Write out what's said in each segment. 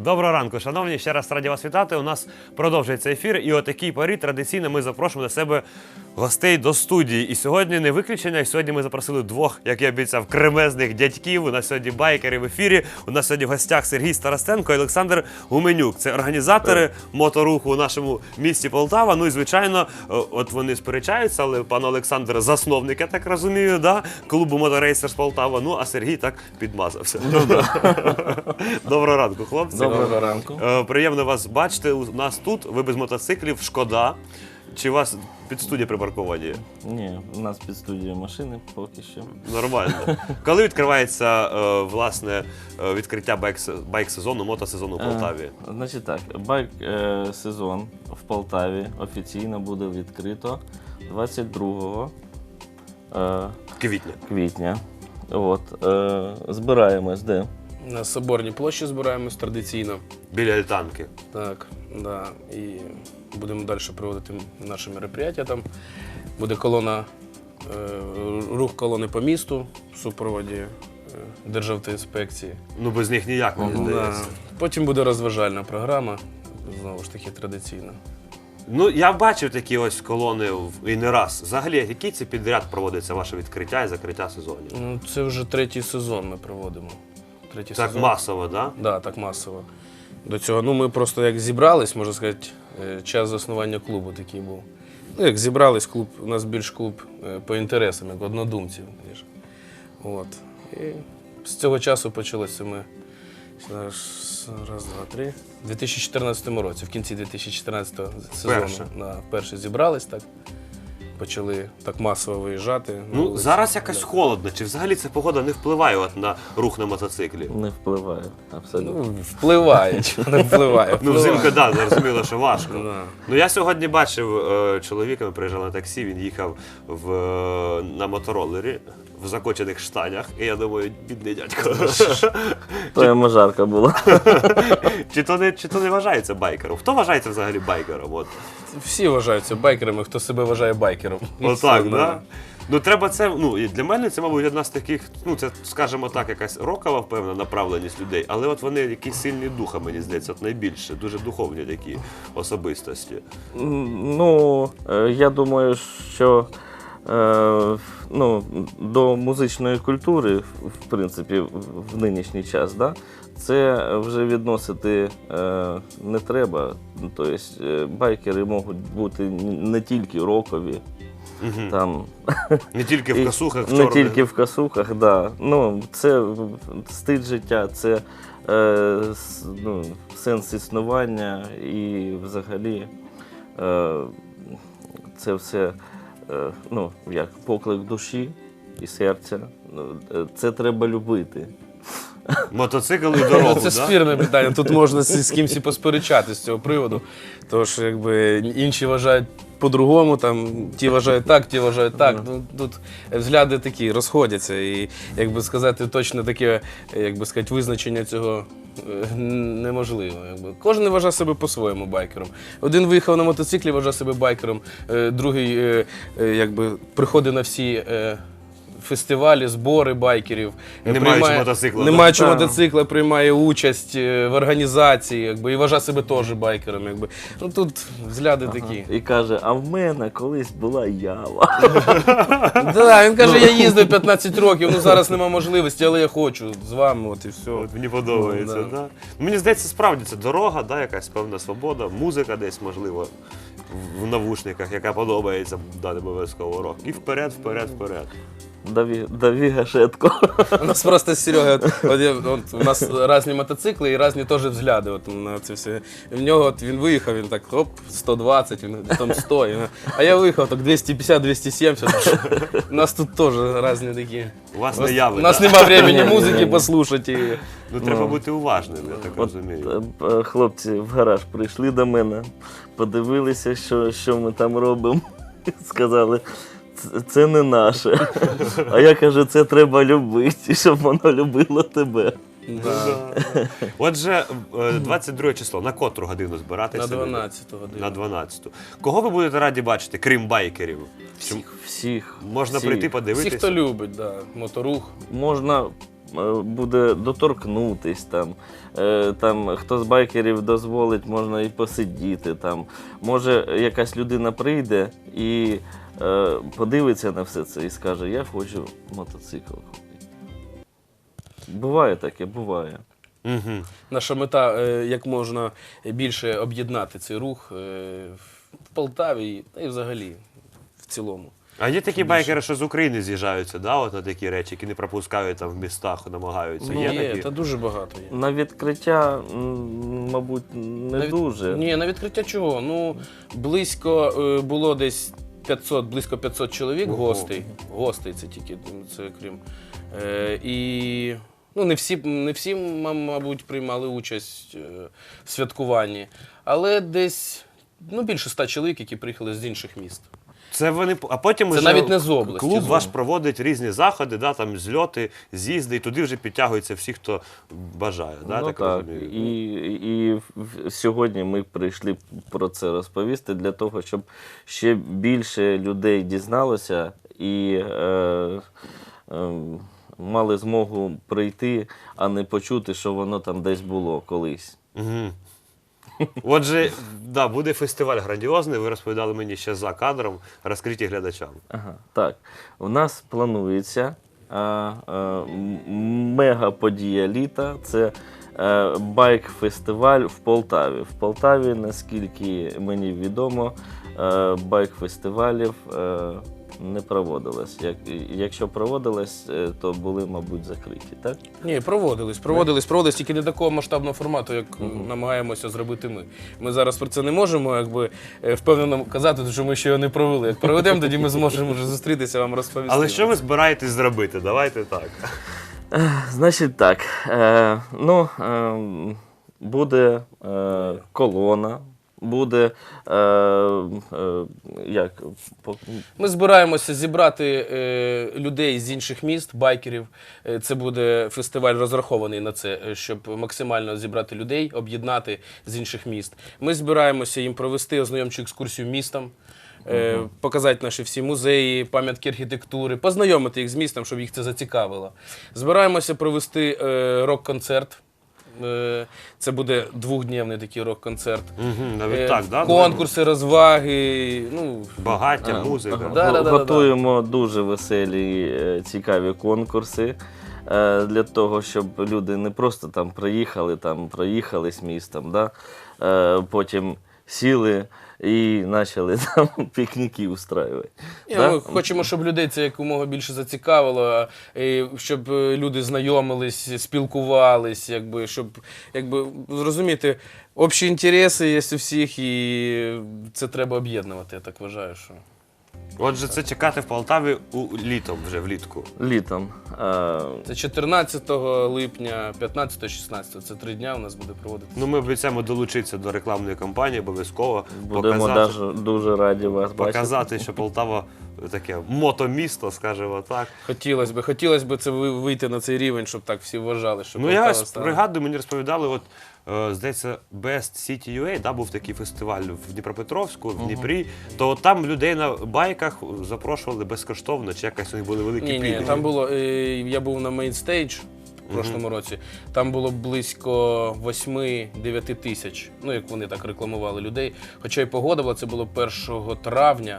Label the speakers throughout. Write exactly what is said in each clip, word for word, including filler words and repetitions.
Speaker 1: Доброго ранку, шановні, ще раз раді вас вітати. У нас продовжується ефір, і о такій порі традиційно ми запрошуємо до себе гостей до студії. І сьогодні не виключення, і сьогодні ми запросили двох, як я обіцяв, кремезних дядьків. У нас сьогодні байкери в ефірі. У нас сьогодні в гостях Сергій Старостенко і Олександр Гуменюк. Це організатори моторуху у нашому місті Полтава. Ну і, звичайно, от вони сперечаються, але пан Олександр засновник, я так розумію, да? клубу Моторейсерс Полтава. Ну, а Сергій так підмазався. Доброго ранку, хлопці.
Speaker 2: Доброго ранку.
Speaker 1: Е, Приємно вас бачити. У нас тут, ви без мотоциклів, шкода. Чи у вас під студією припарковані?
Speaker 2: Ні, у нас під студією машини поки що.
Speaker 1: Нормально. Коли відкривається, е, власне, е, відкриття байк- байк-сезону, мотосезону в Полтаві?
Speaker 2: Е, значить так, байк-сезон в Полтаві офіційно буде відкрито двадцять другого е,
Speaker 1: Квітня.
Speaker 2: квітня. От, е, збираємось де?
Speaker 3: На Соборній площі збираємось традиційно.
Speaker 1: Біля Альтанки.
Speaker 3: Так, да. І будемо далі проводити наші мероприятия. Там буде колона, е, рух колони по місту в супроводі е, Державтоінспекції.
Speaker 1: Ну, без них ніяк, мені
Speaker 3: Да.
Speaker 1: здається.
Speaker 3: Потім буде розважальна програма, знову ж таки традиційна.
Speaker 1: Ну, я бачив такі ось колони в- і не раз. Взагалі, який це підряд проводиться ваше відкриття і закриття сезонів?
Speaker 3: Ну, це вже третій сезон ми проводимо. Третій
Speaker 1: Так
Speaker 3: сезон.
Speaker 1: масово, так? Да?
Speaker 3: Да, так масово. До цього, ну ми просто як зібрались, можна сказати, е, час заснування клубу такий був. Ну, як зібрались, клуб, у нас більш клуб е, по інтересам, як однодумців. ніж. От. І з цього часу почалося ми зараз, раз, два, три. У дві тисячі чотирнадцятому році, в кінці дві тисячі чотирнадцятого сезону
Speaker 1: Перше.
Speaker 3: на перше зібрались, так. Почали так масово виїжджати. на
Speaker 1: Ну,
Speaker 3: вулиці.
Speaker 1: зараз якось
Speaker 3: Да.
Speaker 1: холодно. Чи взагалі ця погода не впливає от на рух на мотоциклі?
Speaker 2: Не впливає абсолютно.
Speaker 3: Ну, впливає, чого не впливає.
Speaker 1: Ну,
Speaker 3: впливає.
Speaker 1: взимку, так, да, зрозуміло, що важко.
Speaker 3: Да.
Speaker 1: Ну, я сьогодні бачив е, чоловіка, ми приїжджали на таксі, він їхав в, е, на мотороллері в закочених штанях, і я думаю, бідний дядько.
Speaker 2: То йому жарко було.
Speaker 1: чи, то не, чи то не вважається байкером? Хто вважається взагалі байкером? От,
Speaker 3: Всі вважаються байкерами, хто себе вважає байкером. І
Speaker 1: Отак,
Speaker 3: все,
Speaker 1: так? Да? Ну, треба це, ну, і для мене це, мабуть, одна з таких, ну, це, скажімо так, якась рокова, певна, направленість людей, але от вони якісь сильні духа, мені здається, от найбільше, дуже духовні такі особистості.
Speaker 2: Ну, е, я думаю, що е, ну, до музичної культури, в принципі, в- в нинішній час, да, це вже відносити е, не треба. Тобто е, байкери можуть бути не тільки рокові, там,
Speaker 1: Не тільки в
Speaker 2: і
Speaker 1: косухах, в
Speaker 2: не
Speaker 1: чорних.
Speaker 2: тільки в косухах, да. Ну, це стиль життя, це е, с- ну, сенс існування і взагалі е, це все е, ну, як поклик душі і серця. Ну, е, це треба любити.
Speaker 1: Мотоцикл і дорогу,
Speaker 3: Це
Speaker 1: да?
Speaker 3: спірне питання. Тут можна з, з кимось і посперечати з цього приводу. Тому що якби інші вважають по-другому, там ті вважають так, ті вважають так. Ну, тут взгляди такі розходяться. І якби сказати точно таке, якби сказати, визначення цього е, неможливо. Якби. Кожен вважає себе по-своєму байкером. Один виїхав на мотоциклі, вважає себе байкером, е, другий е, е, якби приходить на всі. Е, Фестивалі, збори байкерів.
Speaker 1: Не
Speaker 3: приймає-
Speaker 1: маючи мотоцикла,
Speaker 3: Не
Speaker 1: да?
Speaker 3: маючи
Speaker 2: Так.
Speaker 3: мотоцикла, приймає участь е, в організації, якби, і вважає себе теж байкером. Якби. Ну тут взгляди такі.
Speaker 2: І каже, а в мене колись була ява.
Speaker 3: Да, він каже, я їздив п'ятнадцять років, ну зараз нема можливості, але я хочу з вами, от і все.
Speaker 1: От мені подобається,
Speaker 3: Ну,
Speaker 1: да.
Speaker 3: да.
Speaker 1: Мені здається, справді це дорога, да, якась певна свобода, музика десь, можливо, в- в навушниках, яка подобається, да, не обов'язково рок. І вперед, вперед, вперед.
Speaker 2: Даві, даві гашетко.
Speaker 3: У нас просто з Серегою, от, от, я- от, у нас різні мотоцикли і різні теж взгляди. От, на це все. В нього от, він виїхав, він так, оп, сто двадцять, він там сто. і- а я виїхав так двісті п'ятдесят двісті сімдесят. У нас тут теж різні такі.
Speaker 1: У вас
Speaker 3: У нас-
Speaker 1: не яви,
Speaker 3: У нас
Speaker 1: да?
Speaker 3: нема времени музики послухати. І...
Speaker 1: Ну, треба бути уважним, я так
Speaker 2: От,
Speaker 1: розумію.
Speaker 2: е, е, хлопці в гараж прийшли до мене, подивилися, що, що ми там робимо. Сказали, «Це- це не наше. А я кажу, це треба любити, щоб воно любило тебе.
Speaker 3: Да.
Speaker 1: Отже, е, двадцять друге число, на котру годину збиратися?
Speaker 3: На дванадцяту годину.
Speaker 1: На дванадцяту. Кого ви будете раді бачити, крім байкерів? Чи
Speaker 2: Всіх.
Speaker 1: можна
Speaker 2: всіх.
Speaker 1: прийти
Speaker 3: Всі,
Speaker 1: подивитися?
Speaker 3: хто любить, да, моторух.
Speaker 2: Можна е, буде доторкнутись, там, е, там, хто з байкерів дозволить, можна і посидіти. Там. Може, якась людина прийде і е, подивиться на все це і скаже, я хочу мотоцикл купити. Буває таке, буває.
Speaker 1: Угу.
Speaker 3: Наша мета е, як можна більше об'єднати цей рух е, в Полтаві та й взагалі в цілому.
Speaker 1: А є такі байкери, що з України з'їжджаються, да, от на такі речі, які не пропускають там в містах, намагаються.
Speaker 3: Ну,
Speaker 1: є
Speaker 3: є,
Speaker 1: такі?
Speaker 3: та дуже багато є.
Speaker 2: На відкриття, м, мабуть, не
Speaker 3: На від-
Speaker 2: дуже.
Speaker 3: Ні, на відкриття чого? Ну, близько е, було десь п'ятсот, близько п'ятсот чоловік
Speaker 1: Ого.
Speaker 3: гостей. Гостей це тільки, це крім. Е, і ну, не всі, не всі, м- мабуть, приймали участь е, в святкуванні, але десь ну, більше ста чоловік, які приїхали з інших міст.
Speaker 1: Це вони, а потім
Speaker 3: Це
Speaker 1: уже
Speaker 3: навіть не з області,
Speaker 1: клуб
Speaker 3: з
Speaker 1: ваш
Speaker 3: області.
Speaker 1: проводить різні заходи, да, там зльоти, з'їзди, і туди вже підтягуються всі, хто бажає. Да,
Speaker 2: Ну
Speaker 1: так,
Speaker 2: так,
Speaker 1: розумію?
Speaker 2: і, і в- сьогодні ми прийшли про це розповісти для того, щоб ще більше людей дізналося і е, е, мали змогу прийти, а не почути, що воно там десь було колись.
Speaker 1: Угу. Отже, да, буде фестиваль грандіозний, ви розповідали мені ще за кадром, розкриті глядачам.
Speaker 2: Ага, так, у нас планується а, а, м- мега-подія літа. Це е, байк-фестиваль в Полтаві. В Полтаві, наскільки мені відомо, е, байк-фестивалів е, не проводилось. Як, якщо проводилось, е, то були, мабуть, закриті, так?
Speaker 3: Ні, проводились, проводились, проводились, тільки не такого масштабного формату, як намагаємося зробити ми. Ми зараз про це не можемо якби, е, впевнено казати, що ми ще його не провели. Як проведемо, тоді ми зможемо вже зустрітися, вам розповісти.
Speaker 1: Але що ви збираєтесь зробити? Давайте так.
Speaker 2: Значить так, е, ну, е, буде е, колона, буде е, е, як, по-
Speaker 3: Ми збираємося зібрати е, людей з інших міст, байкерів. Е, Це буде фестиваль розрахований на це, е, щоб максимально зібрати людей, об'єднати з інших міст. Ми збираємося їм провести ознайомчу екскурсію містом, е, показати наші всі музеї, пам'ятки архітектури, познайомити їх з містом, щоб їх це зацікавило. Збираємося провести е, рок-концерт. Е, Це буде двохдневний такий рок-концерт.
Speaker 1: Угу, навіть
Speaker 3: Е,
Speaker 1: так, да?
Speaker 3: Конкурси, розваги. Ну,
Speaker 1: Багаття, музика.
Speaker 2: Ага.
Speaker 3: Да, да, да,
Speaker 2: Готуємо дуже веселі, е, цікаві конкурси е, для того, щоб люди не просто там приїхали, там проїхались містом, да? е, потім сіли і почали там пікніки устраювати.
Speaker 3: Ні,
Speaker 2: Да?
Speaker 3: Ми хочемо, щоб людей це якомога більше зацікавило, і щоб е, люди знайомились, спілкувались, якби, щоб якби, зрозуміти, общі інтереси є у всіх, і це треба об'єднувати, я так вважаю. Що...
Speaker 1: Отже, це чекати в Полтаві у літом, вже влітку.
Speaker 2: Літом. Е,
Speaker 3: Це чотирнадцятого липня, п'ятнадцятого-шістнадцятого, це три дня у нас буде проводитися.
Speaker 1: Ну, ми обіцяємо долучитися до рекламної кампанії, обов'язково
Speaker 2: будемо
Speaker 1: показати,
Speaker 2: даже, дуже раді вас бачити.
Speaker 1: показати, що Полтава таке мотомісто, скажімо так.
Speaker 3: Хотілося б, хотілося б це ви- вийти на цей рівень, щоб так всі вважали, що
Speaker 1: Ну,
Speaker 3: Полтава
Speaker 1: я ось
Speaker 3: стала-
Speaker 1: пригадую, мені розповідали, от, е, здається, Best City ю ей, да, був такий фестиваль в Дніпропетровську, в Дніпрі, то от там людей на байках запрошували безкоштовно, чи якось у них були великі
Speaker 3: Ні, ні,
Speaker 1: пільги.
Speaker 3: там було, е, я був на мейнстейдж в прошлому році, там було близько восьми-дев'яти тисяч, ну як вони так рекламували людей. Хоча й погода була, це було першого травня.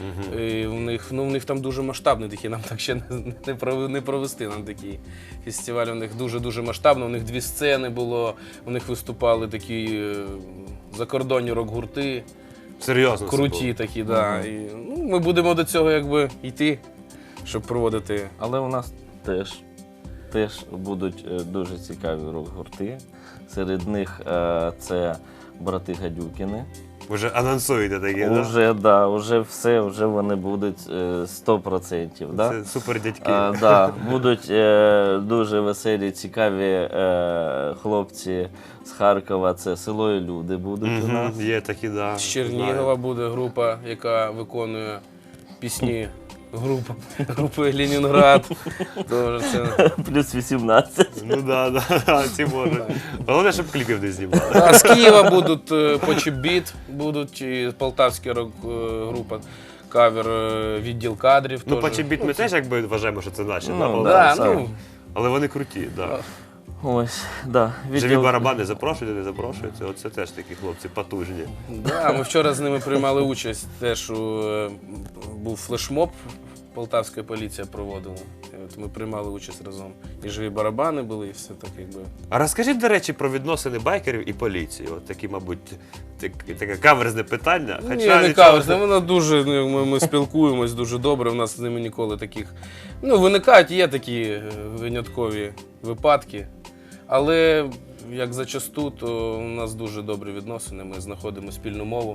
Speaker 3: І в них, ну, в них там дуже масштабний такий, нам так ще не, не, пров- не провести нам такий фестиваль. У них дуже-дуже масштабно, у них дві сцени було, у них виступали такі е, закордонні рок-гурти,
Speaker 1: Серйозно це
Speaker 3: круті
Speaker 1: було.
Speaker 3: такі, да. І, ну, ми будемо до цього якби йти, щоб проводити.
Speaker 2: Але у нас теж, теж будуть е, дуже цікаві рок-гурти. Серед них е, це брати Гадюкіни.
Speaker 1: Вже анонсуєте такі, да?
Speaker 2: Уже, да, уже все, вже вони будуть е, сто відсотків. Да?
Speaker 1: Це супер дядьки.
Speaker 2: Е, да, будуть е, дуже веселі, цікаві е, хлопці з Харкова. Це село і люди будуть у нас.
Speaker 1: Мгм, є такі, да.
Speaker 3: З Чернігова буде група, яка виконує пісні групи, групи Ленінград. Тож це...
Speaker 2: Плюс вісімнадцять.
Speaker 1: Ну да, да, ці може. Головне, щоб кліпів не знімали.
Speaker 3: А з Києва будуть е, Почебіт, будуть і полтавська рок-група, кавер е, відділ кадрів.
Speaker 1: Ну,
Speaker 3: теж.
Speaker 1: Почебіт ми теж якби вважаємо, що це наші, да,
Speaker 3: Ну,
Speaker 1: Полтавці?
Speaker 3: да, ну,
Speaker 1: Але вони круті, так. Да.
Speaker 2: Ось, да.
Speaker 1: Живі
Speaker 2: відділ-
Speaker 1: барабани запрошують, не запрошуються. Оце теж такі хлопці потужні.
Speaker 3: Да, ми вчора з ними приймали участь. Теж у, е, був флешмоб, полтавська поліція проводила. І от ми приймали участь разом. І живі барабани були, і все так якби.
Speaker 1: А розкажіть, до речі, про відносини байкерів і поліції. От такі, мабуть, так, таке каверзне питання.
Speaker 3: Ні,
Speaker 1: Хоча
Speaker 3: не
Speaker 1: нічого-
Speaker 3: каверзне, вона дуже, ну, ми, ми спілкуємось дуже добре, у нас з ними ніколи таких. Ну, виникають, є такі е, виняткові випадки. Але як зачасту, то у нас дуже добрі відносини, ми знаходимо спільну мову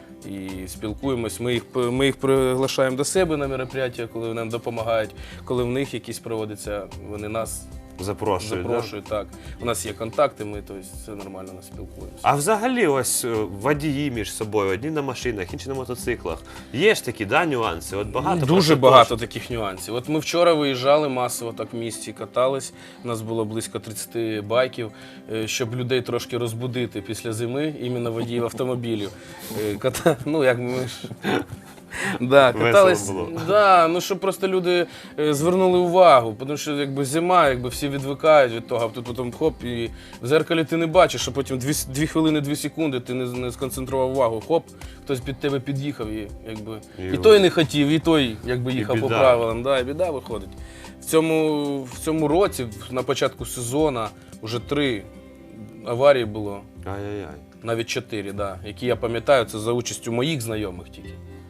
Speaker 3: і спілкуємось. Ми їх, ми їх приглашаємо до себе на мероприятия, коли нам допомагають, коли в них якісь проводяться, вони нас
Speaker 1: Запрошують. да?
Speaker 3: запрошують. Так. У нас є контакти, ми тобто, все нормально нас спілкуємося.
Speaker 1: А взагалі, ось е, водії між собою, одні на машинах, інші на мотоциклах. Є ж такі, да, нюанси? От багато про
Speaker 3: Дуже
Speaker 1: це
Speaker 3: багато
Speaker 1: теж.
Speaker 3: таких нюансів. От ми вчора виїжджали масово так в місті, катались. У нас було близько тридцять байків, е, щоб людей трошки розбудити після зими, іменно водіїв автомобілів. Е, Ката... Ну, як ми ж... Да,
Speaker 1: Весело
Speaker 3: катались,
Speaker 1: було.
Speaker 3: да, ну щоб просто люди е, звернули увагу, тому що якби зима, якби всі відвикають від того, а тут потім хоп, і в зеркалі ти не бачиш, а потім дві, дві хвилини, дві секунди ти не, не сконцентрував увагу, хоп, хтось під тебе під'їхав і якби
Speaker 1: І
Speaker 3: і той не хотів, і той якби їхав по
Speaker 1: біда.
Speaker 3: правилам, да, і біда виходить. В цьому, в цьому році, на початку сезону, вже три аварії було,
Speaker 1: Ай-яй-яй.
Speaker 3: навіть чотири, да, які я пам'ятаю, це за участю моїх знайомих тільки.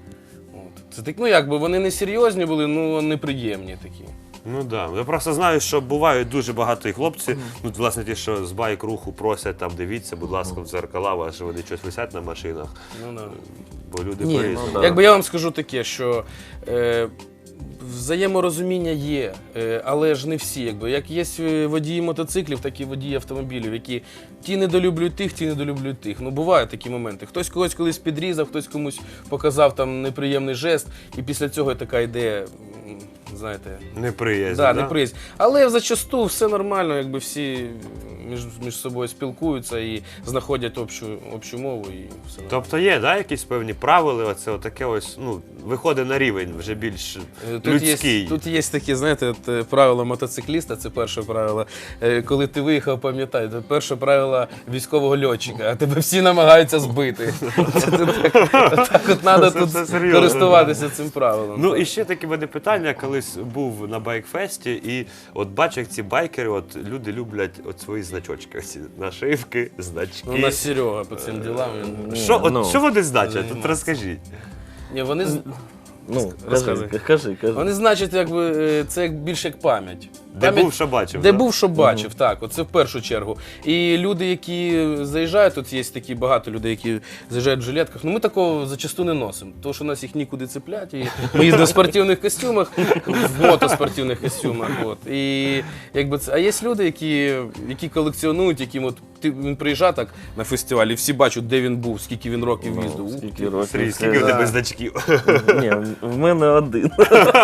Speaker 3: От. Це так, ну якби вони не серйозні були, ну неприємні такі.
Speaker 1: Ну так. Да. Я просто знаю, що бувають дуже багато і хлопці, ну, власне, ті, що з байк-руху просять, там, дивіться, будь ласка, в дзеркала, ваші вони щось висять на машинах,
Speaker 3: Ну, да.
Speaker 1: бо люди
Speaker 3: Ні,
Speaker 1: по-різному.
Speaker 2: ну, да.
Speaker 3: Якби я вам скажу таке, що е, взаєморозуміння є, е, але ж не всі. Якби. Як є е, водії мотоциклів, так і водії автомобілів, які ті недолюблюють тих, ті недолюблюють тих. Ну, бувають такі моменти. Хтось когось колись підрізав, хтось комусь показав там неприємний жест, і після цього така ідея, м, знаєте,
Speaker 1: Неприязнь,
Speaker 3: да,
Speaker 1: да?
Speaker 3: неприязнь. Але зачасту все нормально, якби всі між, між собою спілкуються і знаходять общу, общу мову і все нормально.
Speaker 1: Тобто є, да, якісь певні правила, оце таке ось, ну, виходить на рівень вже більш
Speaker 3: Е, Тут
Speaker 1: людський.
Speaker 3: є, тут є такі, знаєте, от, е, правила мотоцикліста, це перше правило. Е, Коли ти виїхав, пам'ятай, це перше правило військового льотчика, а тебе всі намагаються збити. Це так, так от треба
Speaker 1: Це-
Speaker 3: тут
Speaker 1: це серйозно,
Speaker 3: користуватися цим правилом.
Speaker 1: Ну
Speaker 3: Так.
Speaker 1: і ще таке в мене питання, колись був на байкфесті, і от бачу, як ці байкери, от люди люблять от свої значочки, оці нашивки, значки.
Speaker 3: Ну, у нас Серега по цим ділам. він-
Speaker 1: Що, от,
Speaker 2: Ну.
Speaker 1: що вони значать? От
Speaker 3: Займається.
Speaker 1: розкажіть.
Speaker 3: Ні, вони, з-
Speaker 2: Ну,
Speaker 3: Розказуй.
Speaker 2: кажи, кажи, кажи.
Speaker 3: вони значать, якби, е, це як більше як пам'ять.
Speaker 1: Де
Speaker 3: Пам'ять-
Speaker 1: був, що бачив.
Speaker 3: Де
Speaker 1: да?
Speaker 3: був, що бачив, так, оце в першу чергу. І люди, які заїжджають, тут є такі багато людей, які заїжджають в жилетках, ну ми такого зачасту не носимо, тому що нас їх нікуди цепляти. І ми їздимо в спортивних костюмах, в мотоспортивних костюмах. От. І, якби, це- а є люди, які, які колекціонують, яким от, ти, він приїжджає так на фестиваль, і всі бачать, де він був, скільки він років
Speaker 2: Ну,
Speaker 3: їздив. Ух
Speaker 2: скільки
Speaker 3: ти.
Speaker 2: років.
Speaker 1: Сергій,
Speaker 2: це-
Speaker 1: скільки в
Speaker 3: да.
Speaker 1: тебе значків?
Speaker 2: Ні, в мене один.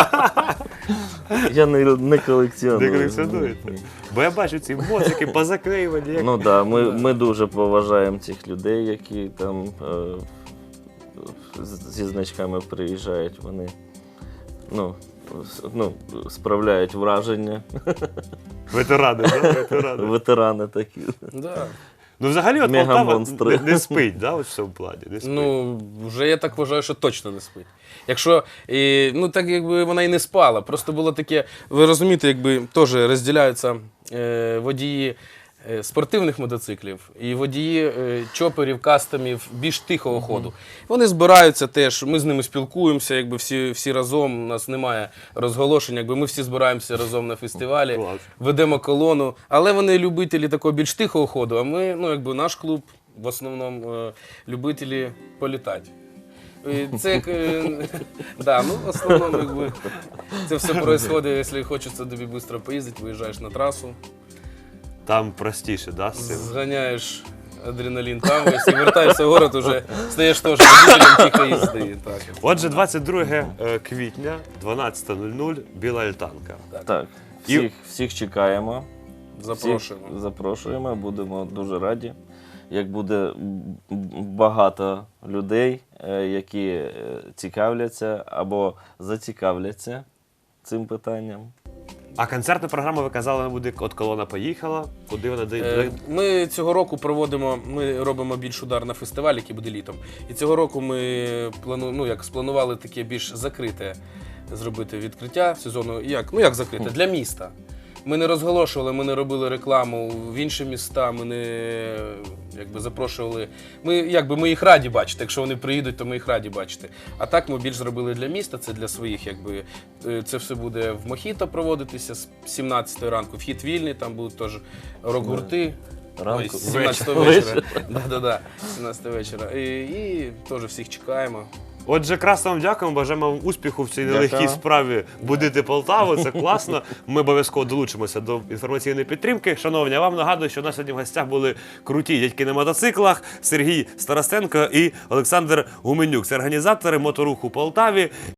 Speaker 2: Я не, не колекціоную.
Speaker 1: Не колекціонуєте?
Speaker 2: Ні.
Speaker 1: Бо я бачу ці моцики позаклеювані. Як...
Speaker 2: Ну так, да, ми, ми дуже поважаємо цих людей, які там е, з- зі значками приїжджають. Вони ну, с- ну, справляють враження.
Speaker 1: Ветерани, да? Ветерани.
Speaker 2: Ветерани такі.
Speaker 3: Да.
Speaker 1: Ну взагалі от Полтава
Speaker 2: Мегамонстри.
Speaker 1: не, не спить, да, ось в цьому плані? Не спить.
Speaker 3: Ну, вже я так вважаю, що точно не спить. Якщо, і, ну так якби вона і не спала, просто було таке, ви розумієте, якби теж розділяються е, водії е, спортивних мотоциклів і водії е, чоперів, кастомів більш тихого ходу. Вони збираються теж, ми з ними спілкуємося, якби всі, всі разом, у нас немає розголошень, якби ми всі збираємося разом на фестивалі,
Speaker 1: Клас.
Speaker 3: ведемо колону, але вони любителі такого більш тихого ходу, а ми, ну якби наш клуб в основному е, любителі політати. І це як, е, да, ну, в основному, якби, це все відбувається, якщо хочеться тобі швидко поїздити, виїжджаєш на трасу,
Speaker 1: Там простіше, да, з цим?
Speaker 3: зганяєш адреналін там, весь, і вертаєшся в город, уже стаєш теж водителем тихої їзди. Так.
Speaker 1: Отже, двадцять друге квітня, дванадцята нуль нуль, Біла Альтанка.
Speaker 2: Так,
Speaker 1: І-
Speaker 2: всіх, всіх чекаємо.
Speaker 3: Запрошуємо.
Speaker 2: Всіх запрошуємо, будемо дуже раді. Як буде м, багато людей, е, які е, цікавляться або зацікавляться цим питанням.
Speaker 1: А концертна програма, ви казали, буде от колона поїхала. Куди вона де?
Speaker 3: Е, Ми цього року проводимо, ми робимо більш удар на фестиваль, який буде літом. І цього року ми плану, ну, як спланували таке більш закрите зробити відкриття сезону. Як? Ну як закрите? Для міста. Ми не розголошували, ми не робили рекламу в інші міста, ми не якби, запрошували. Ми, якби, ми їх раді бачити. Якщо вони приїдуть, то ми їх раді бачити. А так ми більш зробили для міста, це для своїх. Якби. Це все буде в Мохіто проводитися з сімнадцятої ранку. Вхід вільний, там будуть теж рок-гурти.
Speaker 2: Ранку.
Speaker 3: Ой, з сімнадцятого вечора. Да-да-да, сімнадцятого вечора. І, і теж всіх чекаємо.
Speaker 1: Отже, красно вам дякуємо, бажаємо вам успіху в цій нелегкій
Speaker 2: Дякую.
Speaker 1: справі будити Полтаву, це класно. Ми обов'язково долучимося до інформаційної підтримки. Шановні, я вам нагадую, що у нас сьогодні в гостях були круті дядьки на мотоциклах, Сергій Старостенко і Олександр Гуменюк. Це організатори моторуху Полтаві.